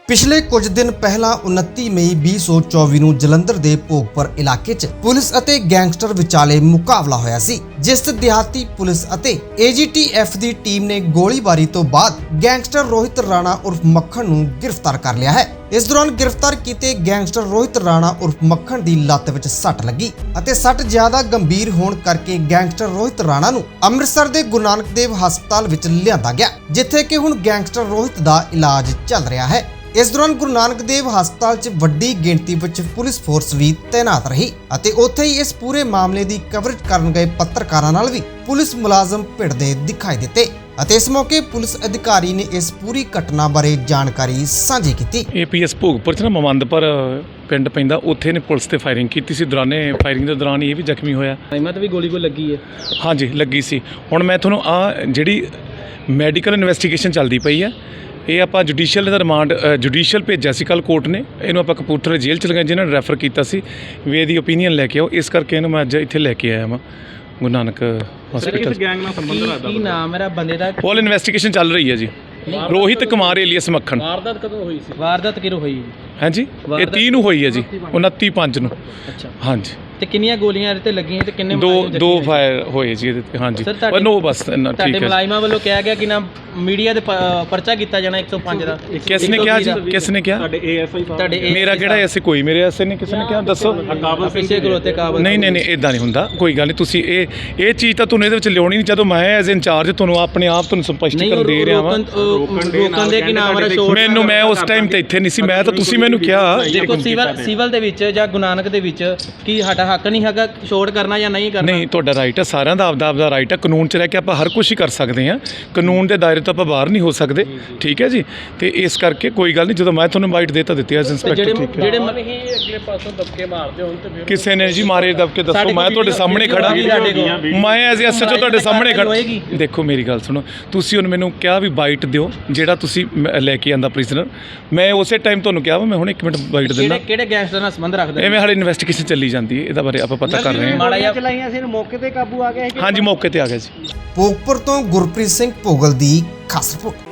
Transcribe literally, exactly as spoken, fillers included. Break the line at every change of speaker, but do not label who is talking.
ਪਿਛਲੇ ਕੁਝ ਦਿਨ ਪਹਿਲਾਂ ਉਨੱਤੀ ਮਈ ਵੀਹ ਸੌ ਚੌਵੀ ਨੂੰ ਜਲੰਧਰ ਦੇ ਭੋਗਪੁਰ ਇਲਾਕੇ 'ਚ ਪੁਲਿਸ ਅਤੇ ਗੈਂਗਸਟਰ ਵਿਚਾਲੇ ਮੁਕਾਬਲਾ ਹੋਇਆ ਸੀ, ਜਿਸ 'ਚ ਦਿਹਾਤੀ ਪੁਲਿਸ ਅਤੇ ਏ ਜੀ ਟੀ ਐਫ ਦੀ ਟੀਮ ਨੇ ਗੋਲੀਬਾਰੀ ਤੋਂ ਬਾਅਦ ਗੈਂਗਸਟਰ ਰੋਹਿਤ ਰਾਣਾ ਉਰਫ ਮੱਖਣ ਨੂੰ ਗ੍ਰਿਫਤਾਰ ਕਰ ਲਿਆ ਹੈ। ਇਸ ਦੌਰਾਨ ਗ੍ਰਿਫਤਾਰ ਕੀਤੇ ਗੈਂਗਸਟਰ ਰੋਹਿਤ ਰਾਣਾ ਉਰਫ ਮੱਖਣ ਦੀ ਲੱਤ ਵਿੱਚ ਸੱਟ ਲੱਗੀ ਅਤੇ ਸੱਟ ਜ਼ਿਆਦਾ ਗੰਭੀਰ ਹੋਣ ਕਰਕੇ ਗੈਂਗਸਟਰ ਰੋਹਿਤ ਰਾਣਾ ਨੂੰ ਅੰਮ੍ਰਿਤਸਰ ਦੇ ਗੁਰੂ ਨਾਨਕ ਦੇਵ ਹਸਪਤਾਲ ਵਿੱਚ ਲਿਆਂਦਾ ਗਿਆ, ਜਿੱਥੇ ਕਿ ਹੁਣ ਗੈਂਗਸਟਰ ਰੋਹਿਤ ਦਾ ਇਲਾਜ ਚੱਲ ਰਿਹਾ ਹੈ। ਇਸ ਦੌਰਾਨ ਗੁਰੂ ਨਾਨਕ ਦੇਵ ਹਸਪਤਾਲ 'ਚ ਵੱਡੀ ਗਿਣਤੀ ਵਿੱਚ ਪੁਲਿਸ ਫੋਰਸ ਵੀ ਤੈਨਾਤ ਰਹੀ ਅਤੇ ਉੱਥੇ ਹੀ ਇਸ ਪੂਰੇ ਮਾਮਲੇ ਦੀ ਕਵਰੇਜ ਕਰਨ ਗਏ ਪੱਤਰਕਾਰਾਂ ਨਾਲ ਵੀ ਪੁਲਿਸ ਮੁਲਾਜ਼ਮ ਭਿੜਦੇ ਦਿਖਾਈ ਦਿੱਤੇ ਅਤੇ ਇਸ ਮੌਕੇ ਪੁਲਿਸ ਅਧਿਕਾਰੀ ਨੇ ਇਸ ਪੂਰੀ ਘਟਨਾ ਬਾਰੇ ਜਾਣਕਾਰੀ ਸਾਂਝੀ ਕੀਤੀ।
ਏ ਪੀ ਐਸ ਭੋਗਪੁਰ 'ਚ ਨਾ ਮਮੰਦਪੁਰ ਪਿੰਡ ਪੈਂਦਾ, ਉੱਥੇ ਨੇ ਪੁਲਿਸ ਤੇ ਫਾਇਰਿੰਗ ਕੀਤੀ ਸੀ। ਦੌਰਾਨੇ ਫਾਇਰਿੰਗ ਦੇ ਦੌਰਾਨ ਇਹ ਵੀ ਜ਼ਖਮੀ ਹੋਇਆ।
ਹਿੰਮਤ ਵੀ ਗੋਲੀ ਕੋਈ ਲੱਗੀ ਹੈ?
ਹਾਂਜੀ ਲੱਗੀ ਸੀ। ਹੁਣ ਮੈਂ ਤੁਹਾਨੂੰ ਆ ਜਿਹੜੀ ਮੈਡੀਕਲ ਇਨਵੈਸਟੀਗੇਸ਼ਨ ਚੱਲਦੀ ਪਈ ਆ, ਇਹ ਆਪਾਂ ਜੁਡੀਸ਼ੀਅਲ ਦਾ ਰਿਮਾਂਡ ਜੁਡੀਸ਼ੀਅਲ ਭੇਜਿਆ ਸੀ ਕੱਲ ਕੋਰਟ ਨੇ। ਇਹਨੂੰ ਆਪਾਂ ਕਪੂਰਥਲੇ ਜੇਲ੍ਹ ਚ ਲਗਾਇਆ, ਜਿਹਨਾਂ ਨੇ ਰੈਫਰ ਕੀਤਾ ਸੀ ਵੀ ਇਹਦੀ ਓਪੀਨੀਅਨ ਲੈ ਕੇ ਆਓ। ਇਸ ਕਰਕੇ ਇਹਨੂੰ ਮੈਂ ਅੱਜ ਇੱਥੇ ਲੈ ਕੇ ਆਇਆ ਵਾਂ ਗੁਰੂ ਨਾਨਕ ਹਸਪੀਟਲ।
ਗੈਂਗ ਨਾਲ ਸੰਬੰਧ ਰੱਖਦਾ ਕੀ ਨਾਮ ਮੇਰਾ ਬੰਦੇ ਦਾ?
ਪੋਲ ਇਨਵੈਸਟੀਗੇਸ਼ਨ ਚੱਲ ਰਹੀ ਹੈ ਜੀ। ਰੋਹਿਤ ਕੁਮਾਰ ਏਲੀਅਸ ਮੱਖਣ।
ਵਾਰਦਾਤ ਕਦੋਂ ਹੋਈ ਸੀ? ਵਾਰਦਾਤ ਕਿਰੋ ਹੋਈ?
ਹਾਂਜੀ ਇਹ ਤੀਹ ਨੂੰ ਹੋਈ ਹੈ ਜੀ, ਉਨੱਤੀ ਪੰਜ ਨੂੰ।
ਅੱਛਾ
ਹਾਂਜੀ।
ਤੇ ਕਿੰਨੀਆਂ ਗੋਲੀਆਂ ਇਹਦੇ ਤੇ ਲੱਗੀਆਂ ਤੇ ਕਿੰਨੇ
ਦੋ ਦੋ ਫਾਇਰ ਹੋਏ ਜੀ ਇਹਦੇ ਤੇ। ਹਾਂਜੀ ਪਰ ਨੋ ਬਸ ਇੰਨਾ ਠੀਕ ਹੈ।
ਤੁਹਾਡੇ ਮੁਲਾਜ਼ਮਾਂ ਵੱਲੋਂ ਕਿਹਾ ਗਿਆ ਕਿ ਨਾ ਮੀਡੀਆ ਦੇ ਪਰਚਾ ਕੀਤਾ ਜਾਣਾ ਇੱਕ ਸੌ ਪੰਜ ਦਾ।
ਕਿਸ ਨੇ ਕਿਹਾ ਜੀ? ਕਿਸ ਨੇ ਕਿਹਾ?
ਤੁਹਾਡੇ ਏ ਐਸ ਆਈ ਸਾਹਿਬ। ਤੁਹਾਡੇ
ਮੇਰਾ ਕਿਹੜਾ ਐਸੇ ਕੋਈ ਮੇਰੇ ਐਸੇ ਨੇ ਕਿਸੇ ਨੇ ਕਿਹਾ? ਦੱਸੋ।
ਪਿੱਛੇ ਖਲੋਤੇ ਕਾਬਲ।
ਨਹੀਂ ਨਹੀਂ ਨਹੀਂ ਇਦਾਂ ਨਹੀਂ ਹੁੰਦਾ, ਕੋਈ ਗੱਲ ਨਹੀਂ। ਤੁਸੀਂ ਇਹ ਇਹ ਚੀਜ਼ ਤਾਂ ਤੁਹਾਨੂੰ ਇਹਦੇ ਵਿੱਚ ਲਿਆਉਣੀ ਨਹੀਂ। ਜਦੋਂ ਮੈਂ ਐਜ਼ ਇੰਚਾਰਜ ਤੁਹਾਨੂੰ ਆਪਣੇ ਆਪ ਤੁਹਾਨੂੰ ਸਪਸ਼ਟੀਕਰਨ ਦੇ ਰਿਹਾ ਵਾਂ।
ਰੋਕਣ ਦੇ ਕਿ ਨਾਮ ਮੇਰਾ ਸ਼ੋਰ
ਮੈਨੂੰ ਮੈਂ ਉਸ ਟਾਈਮ ਤੇ ਇੱਥੇ ਨਹੀਂ ਸੀ, ਮੈਂ ਤਾਂ ਤੁਸੀਂ ਮੈਨੂੰ ਕਿਹਾ।
ਦੇਖੋ ਸਿਵਲ ਸਿਵਲ ਦੇ ਵਿੱਚ ਜਾਂ ਗੁਰੂ ਨਾਨਕ ਦੇ ਵਿੱਚ ਕੀ ਸਾਡਾ ਹੱਕ ਨਹੀਂ ਹੈਗਾ ਛੋੜ ਕਰਨਾ ਜਾਂ ਨਹੀਂ ਕਰਨਾ?
ਨਹੀਂ, ਤੁਹਾਡਾ ਰਾਈਟ ਹੈ, ਸਾਰਿਆਂ ਦਾ ਆਪਦਾ ਆਪਦਾ ਰਾਈਟ ਹੈ। ਕਾਨੂੰਨ 'ਚ ਰਹਿ ਕੇ ਆਪਾਂ ਹਰ ਕੁਝ ਹੀ ਕਰ ਸਕਦੇ ਹਾਂ। ਕਾਨੂੰਨ ਦੇ ਦਾਇਰੇ ਤੋਂ ਆਪਾਂ ਬਾਹਰ ਨਹੀਂ ਹੋ ਸਕਦੇ, ਠੀਕ ਹੈ ਜੀ। ਤੇ ਇਸ ਕਰਕੇ ਕੋਈ ਗੱਲ ਨਹੀਂ, ਜਦੋਂ ਮੈਂ ਤੁਹਾਨੂੰ ਇਨਵਾਈਟ ਦੇ ਤਾਂ ਦਿੱਤੀ ਐਜ਼ ਇੰਸਪੈਕਟਰ। ਠੀਕ ਹੈ। ਜਿਹੜੇ ਹੀ ਅਗਲੇ ਪਾਸੋਂ ਦਬਕੇ ਮਾਰਦੇ ਹੁਣ ਤੇ ਕਿਸੇ ਨੇ ਜੀ ਮਾਰੇ ਦਬਕੇ? ਦੱਸੋ। ਮੈਂ ਤੁਹਾਡੇ ਸਾਹਮਣੇ ਖੜਾ, ਮੈਂ ਐਜ਼ ਐਸ ਐਚ ਓ ਤੁਹਾਡੇ ਸਾਹਮਣੇ ਖੜਾ। ਦੇਖੋ ਮੇਰੀ ਗੱਲ ਸੁਣੋ, ਤੁਸੀਂ ਹੁਣ ਮੈਨੂੰ ਕਿਹਾ ਵੀ ਬਾਈਟ ਦਿਓ ਜਿਹੜਾ ਤੁਸੀਂ ਲੈ ਕੇ ਆਂਦਾ ਪ੍ਰਿਜ਼ਨਰ। ਮੈਂ ਉਸੇ ਟਾਈਮ ਤੁਹਾਨੂੰ ਕਿਹਾ ਵਾ ਮੈਂ ਹੁਣ ਇੱਕ ਮਿੰਟ ਬਾਈਟ ਦਿੰਦਾ।
ਕਿਹੜੇ ਗੈਂਗਸਟਰ ਨਾਲ ਸੰਬੰਧ ਰੱਖਦੇ?
ਐਵੇਂ ਹਾਲੇ ਇਨਵੈਸਟੀਗੇਸ਼ਨ ਚੱਲੀ ਜਾਂਦੀ ਹੈ, ਇਹਦਾ ਬਾਰੇ ਆਪਾਂ ਪਤਾ ਕਰ ਰਹੇ ਹਾਂ।
ਮਾੜਾ ਚਲਾਈਆਂ ਸੀ, ਮੌਕੇ ਤੇ ਕਾਬੂ ਆ ਗਿਆ?
ਹਾਂਜੀ ਮੌਕੇ ਤੇ ਆ ਗਿਆ ਜੀ।
ਭੋਗਪੁਰ ਤੋਂ ਗੁਰਪ੍ਰੀਤ ਸਿੰਘ ਭੋਗਲ ਦੀ ਖਾਸ ਰਿਪੋਰਟ।